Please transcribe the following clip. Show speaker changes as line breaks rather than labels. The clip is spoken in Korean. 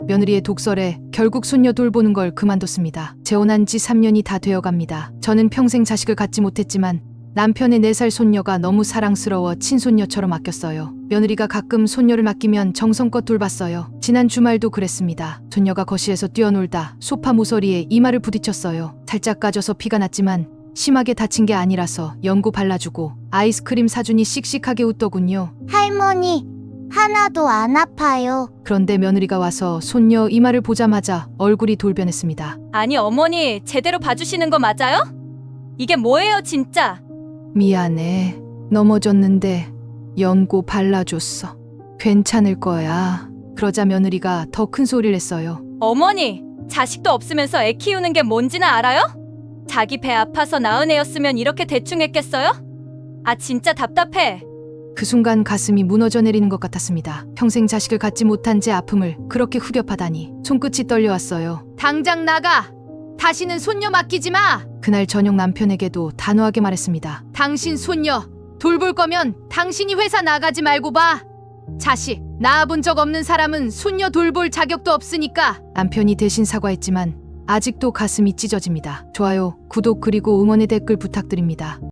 며느리의 독설에 결국 손녀 돌보는 걸 그만뒀습니다. 재혼한 지 3년이 다 되어갑니다. 저는 평생 자식을 갖지 못했지만 남편의 4살 손녀가 너무 사랑스러워 친손녀처럼 아꼈어요. 며느리가 가끔 손녀를 맡기면 정성껏 돌봤어요. 지난 주말도 그랬습니다. 손녀가 거실에서 뛰어놀다 소파 모서리에 이마를 부딪혔어요. 살짝 까져서 피가 났지만 심하게 다친 게 아니라서 연고 발라주고 아이스크림 사주니 씩씩하게 웃더군요.
할머니, 하나도 안 아파요.
그런데 며느리가 와서 손녀 이마를 보자마자 얼굴이 돌변했습니다.
아니 어머니 제대로 봐주시는 거 맞아요? 이게 뭐예요 진짜?
미안해. 넘어졌는데 연고 발라줬어. 괜찮을 거야. 그러자 며느리가 더 큰 소리를 했어요.
어머니 자식도 없으면서 애 키우는 게 뭔지는 알아요? 자기 배 아파서 낳은 애였으면 이렇게 대충 했겠어요? 아 진짜 답답해.
그 순간 가슴이 무너져 내리는 것 같았습니다. 평생 자식을 갖지 못한 제 아픔을 그렇게 후벼파다니 손끝이 떨려왔어요. 당장 나가! 다시는 손녀 맡기지 마! 그날 저녁 남편에게도 단호하게 말했습니다. 당신 손녀 돌볼 거면 당신이 회사 나가지 말고 봐. 자식 낳아본 적 없는 사람은 손녀 돌볼 자격도 없으니까. 남편이 대신 사과했지만 아직도 가슴이 찢어집니다. 좋아요, 구독 그리고 응원의 댓글 부탁드립니다.